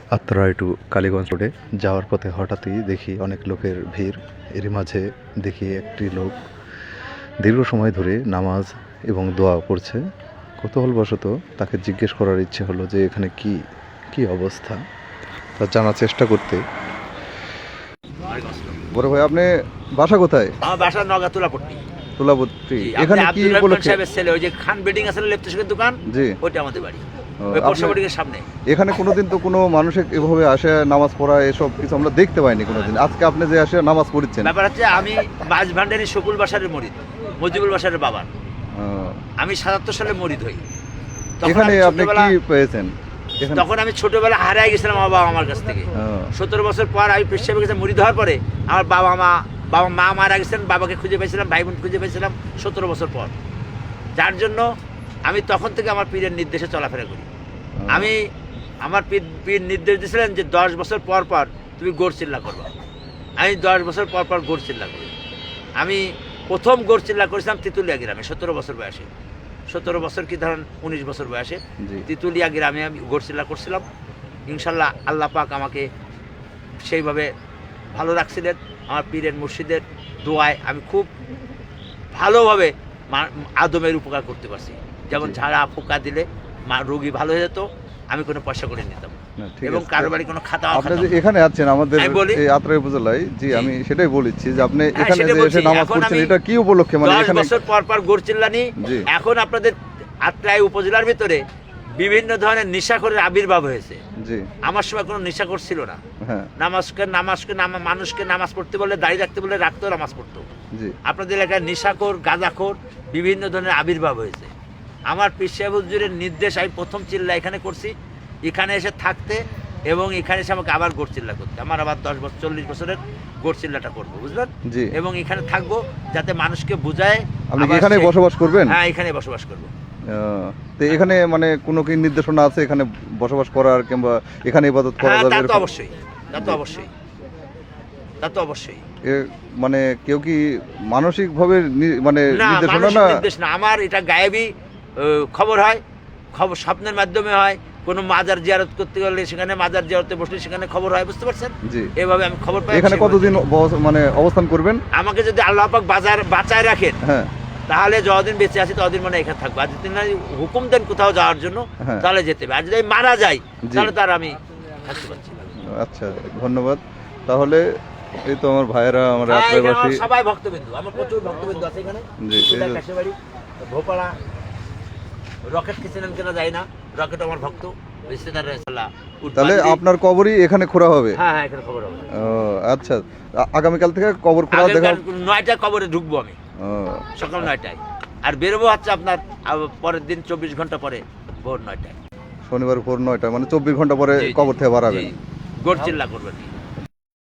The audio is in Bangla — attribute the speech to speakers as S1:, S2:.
S1: আত্রাই টু কালীগঞ্জ রোডে যাওয়ার পথে হঠাৎই দেখি অনেক লোকের ভিড়। এরই মাঝে দেখি একটি লোক দীর্ঘ সময় ধরে নামাজ এবং দোয়া করছে। কৌতূহলবশত তাকে জিজ্ঞেস করার ইচ্ছে হলো যে এখানে কি অবস্থা, তা জানার চেষ্টা করতে। বড় ভাই, আপনি বাসা কোথায়?
S2: আমার বাসা নগা তুলাপট্টি।
S1: তুলাপট্টি। এখানে কি উপলক্ষে?
S2: ছেলে ওই যে খান বেডিং আছে লেপ্টেশনের দোকান,
S1: জি,
S2: ওইটা আমাদের বাড়ি, ওই পোস্ট অফিসের সামনে।
S1: এখানে কোনোদিন তো কোনো মানুষ এভাবে আসে নামাজ পড়া এসব কিছু আমরা দেখতে পাইনি কোনোদিন। আজকে আপনি যে আসে নামাজ পড়ছেন,
S2: ব্যাপার হচ্ছে আমি মাঝ ভান্ডারি শকুল বাসারের মরিদ, মজিবুল বাসারের বাবার। আমি 77 সালে মরিদ হই।
S1: এখানে আপনি কি পেয়েছেন?
S2: তখন আমি ছোটবেলা হারাই গেছিলাম আমার বাবা আমার কাছ থেকে। 17 বছর পর আমি পেশাবে গেছে মরিদ হওয়ার পরে আমার বাবা মা মারা গেছেন। বাবাকে খুঁজে পেয়েছিলাম, ভাই বোন খুঁজে পেয়েছিলাম 17 বছর পর। যার জন্য আমি তখন থেকে আমার পীরের নির্দেশে চলাফেরা করি। আমার পীর নির্দেশ দিয়েছিলেন যে 10 বছর পর পর তুমি গোড় চিল্লা করবা। আমি 10 বছর পর পর গোড় চিল্লা করি। আমি প্রথম গোড় চিল্লা করেছিলাম তেঁতুলিয়া গ্রামে 17 বছর বয়সে। 17 বছর কি ধরেন 19 বছর বয়সে তেঁতুলিয়া গ্রামে আমি গোড় চিল্লা করছিলাম। ইনশাল্লাহ আল্লাহ পাক আমাকে সেইভাবে ভালো রাখছিলেন। আমার পীরের মুর্শিদের দোয়ায় আমি খুব ভালোভাবে আদমের উপকার করতে পারছি। যেমন ঝাড়া ফুকা দিলে রোগী ভালো হয়ে যেত, আমি কোনো পয়সা করে নিতাম এবং কারো বাড়ি কোনো খাতা।
S1: আপনি যে এখানে আছেন আমাদের এই আত্রাই উপজেলায়, জি আমি সেটাই বলেছি যে আপনি এখানে যে এসে নামাজ পড়ছেন এটা কি উপলক্ষে? মানে
S2: 10 বছর পর পর গোড় চিল্লানি। এখন আপনাদের আত্রাই উপজেলার ভিতরে বিভিন্ন ধরনের নেশাখোরের আবির্ভাব হয়েছে। আমার সময় কোনো নেশাখোর ছিল না। মানুষকে নামাজ পড়তে বলে, দাঁড়িয়ে রাখতে বলে রাখতো, নামাজ পড়তো। আপনাদের এলাকায় নেশাখোর, গাঁজাখোর বিভিন্ন ধরনের আবির্ভাব হয়েছে। আমার পীর সাহেব হুজুরের নির্দেশ আমি প্রথম চিল্লা এখানে করছি, এখানে এসে থাকতে এবং এখানে এসে আমাকে আবার গোড় চিল্লা করতে। আমার আবার 40 বছরের গোড় চিল্লাটা করবো, বুঝলেন? এবং এখানে থাকবো যাতে মানুষকে বুঝায়।
S1: আপনি এখানে বসবাস করবেন?
S2: হ্যাঁ, এখানে বসবাস করবো।
S1: তো এখানে মানে কোনো কি নির্দেশনা আছে এখানে বসবাস করার কিংবা এখানে ইবাদত করা যাবে?
S2: তা তো অবশ্যই, তা তো অবশ্যই।
S1: মানে কেউ কি মানসিক ভাবে মানে
S2: নির্দেশ না, আমার এটা গায়েবী খবর হয়, খবর স্বপ্নের মাধ্যমে হয়। কোনো মাজার জিয়ারত করতে গেলে সেখানে, মাজার জিয়ারতে বসলে সেখানে খবর হয়, বুঝতে পারছেন? এভাবে আমি খবর পাই।
S1: এখানে কতদিন মানে অবস্থান করবেন?
S2: আমাকে যদি আল্লাহ পাক বাঁচায় রাখেন, তাহলে যতদিন বেঁচে আছি ততদিন মানে এখানে থাকবো। আর যদি হুকুম দেন কোথাও যাওয়ার জন্য তাহলে যেতে হবে। আর যদি মারা যাই তাহলে তার আমি থাকতে পারছি না।
S1: আচ্ছা, ধন্যবাদ। তাহলে এই তো আমার ভাইয়েরা, আমার আত্রাইবাসী
S2: সবাই ভক্তবিন্দু, আমার প্রচুর ভক্তবিন্দু আছে এখানে। কাশিবাড়ি, ভোপাড়া, রকেট কিচেন কেনা যায় না, রকেট আমার ভক্ত।
S1: তাহলে আপনার কবরই এখানে খোঁড়া হবে?
S2: হ্যাঁ, এখানে কবর হবে।
S1: আচ্ছা, আগামীকাল থেকে কবর খোঁড়া দেখা?
S2: 9টায় কবরে ঢুকবো আমি, সকাল 9টায়। আর বেরোবো হচ্ছে আপনার পরের দিন 24 ঘন্টা পরে ভোর 9টায়।
S1: শনিবার ভোর 9টায়, মানে 24 ঘন্টা পরে কবর থেকে বাড়াবেন।
S2: গোড় চিল্লা করবেন।